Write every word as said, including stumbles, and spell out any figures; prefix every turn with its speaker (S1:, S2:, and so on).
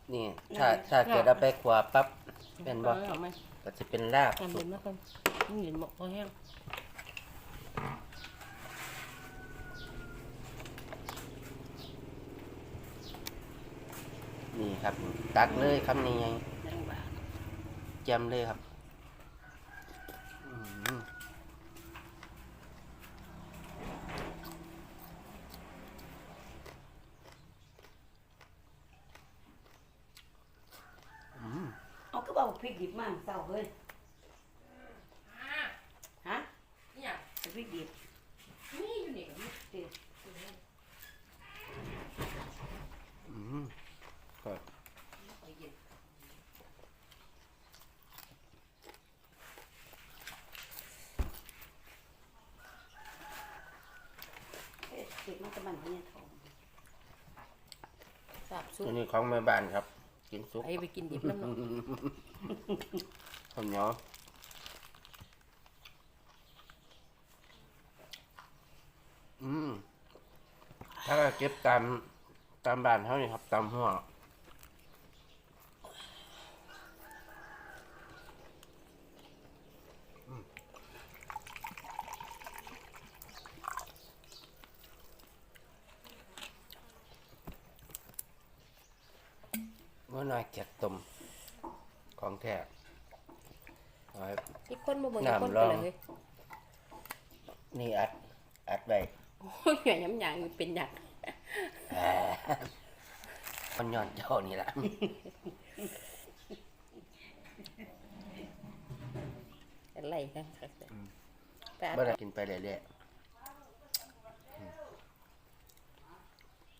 S1: นี่ถ้าถ้าเกิดเอาไปขวาปั๊บเป็นบ่
S2: เอาไหม
S1: ก็จะเป็นลาบ
S2: ทำ
S1: สุ
S2: เห็
S1: ก
S2: นนะครับนี่เห็นหมกพอแห้ง
S1: นี่ครับ ตักเลยคำนี้ไง
S2: จังหวะ
S1: แจมเลยครับอืมอืม
S3: เอาก็บอกพริกดิบมาเศร้าเฮ้ยฮะ
S2: นี่อ่ะ
S3: เอาพริกดิบ
S2: นี่อยู่นี่
S3: ดิ
S1: อืมก็
S3: เอ๊ะพริกมันจะมันเนี่ยทอง
S2: สาบซุป
S1: ตัวนี้ของแม่บ้านครับ กินสุก
S2: ไอ้ไปกินดิบน้ำเนาะ
S1: ข้าวเหนียวอืมถ้าเก็บตามตามบ้านเท่านี้ครับ ตามหัวอืมว่าน่าเกลียดต้มของแท้เอาไว้
S2: อีกคนมาเบิ่ง
S1: น้ำ
S2: อีกคน
S1: ล
S2: ไป
S1: อง
S2: เลย
S1: นี่อัด อัดไว้
S2: โอ้ยหย่อยย้ำหยางอยู่เป็นหยัก
S1: แหมมันย้อนเจ้านี่แหละ
S2: อะไรกันครับแต่
S1: บ่ได้กินไปเรื่อยๆ